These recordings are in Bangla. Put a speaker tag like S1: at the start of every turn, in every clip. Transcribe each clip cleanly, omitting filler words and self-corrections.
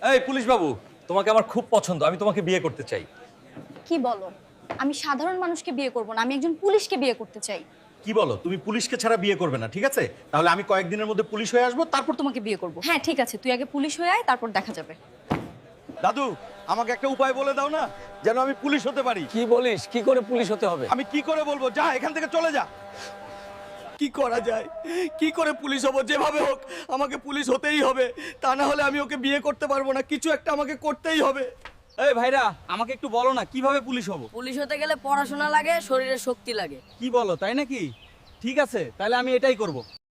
S1: এই পুলিশ বাবু, তোমাকে আমার খুব পছন্দ, আমি তোমাকে বিয়ে করতে চাই।
S2: কি বলো? আমি সাধারণ মানুষকে বিয়ে করব না, আমি একজন পুলিশকে বিয়ে করতে চাই।
S1: কি বলো, তুমি পুলিশকে ছাড়া বিয়ে করবে না? ঠিক আছে, তাহলে আমি কয়েকদিনের মধ্যে পুলিশ হয়ে আসবো, তারপর
S2: তোমাকে বিয়ে করব। হ্যাঁ ঠিক আছে, তুই আগে পুলিশ হয়ে আয়, তারপর দেখা যাবে।
S1: দাদু, আমাকে একটা উপায় বলে দাও না, যেন আমি পুলিশ হতে পারি।
S3: কি বলিস? কি করে পুলিশ হতে হবে?
S1: আমি কি করে বলবো? যা এখান থেকে চলে যা।
S4: কি করা যায়? কি করে পুলিশ হব? যেভাবে হোক আমাকে পুলিশ হতেই হবে, তা না হলে আমি ওকে বিয়ে করতে পারবো না। কিছু একটা আমাকে করতেই হবে।
S3: এই ভাইরা, আমাকে একটু বলো না কিভাবে পুলিশ হব?
S5: পুলিশ হতে গেলে পড়াশোনা লাগে, শরীরে শক্তি লাগে।
S3: কি বলো, তাই নাকি? ঠিক আছে, তাহলে আমি এটাই করব।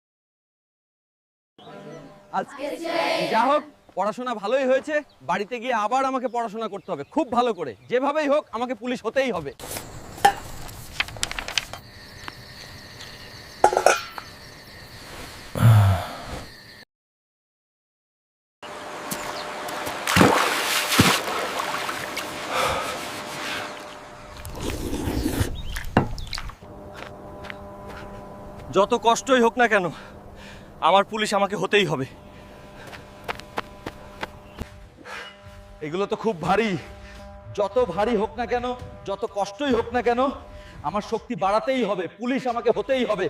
S3: আজকে যা হোক, পড়াশোনা ভালোই হয়েছে। বাড়িতে গিয়ে আবার আমাকে পড়াশোনা করতে হবে খুব ভালো করে। যেভাবেই হোক আমাকে পুলিশ হতেই হবে।
S1: যত কষ্টই হোক না কেন, আমার পুলিশ আমাকে হতেই হবে। এগুলো তো খুব ভারী। যত ভারী হোক না কেন, যত কষ্টই হোক না কেন, আমার শক্তি বাড়াতেই হবে। পুলিশ আমাকে হতেই হবে।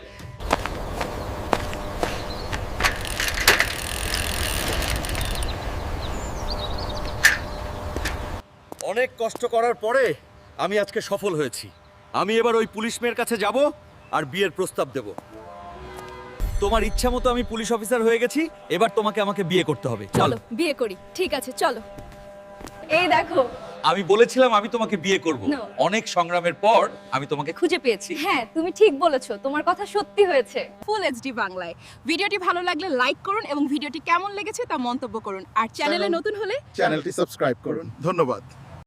S1: অনেক কষ্ট করার পরে আমি আজকে সফল হয়েছি। আমি এবার ওই পুলিশ মেয়ের কাছে যাব আর বিয়ের প্রস্তাব দেব। তোমার ইচ্ছা মতো আমি পুলিশ অফিসার হয়ে গেছি, এবার তোমাকে আমাকে বিয়ে করতে হবে। চলো।
S2: বিয়ে করি। ঠিক আছে চলো। এই দেখো,
S1: আমি বলেছিলাম আমি তোমাকে বিয়ে করব।
S2: No.
S1: অনেক সংগ্রামের পর আমি তোমাকে
S2: খুঁজে পেয়েছি। হ্যাঁ তুমি ঠিক বলেছো, তোমার কথা সত্যি হয়েছে।
S6: ফুল এইচডি বাংলায় ভিডিওটি ভালো লাগলে লাইক করুন এবং ভিডিওটি কেমন লেগেছে তা মন্তব্য করুন। আর চ্যানেলে নতুন হলে
S7: চ্যানেলটি সাবস্ক্রাইব করুন। ধন্যবাদ।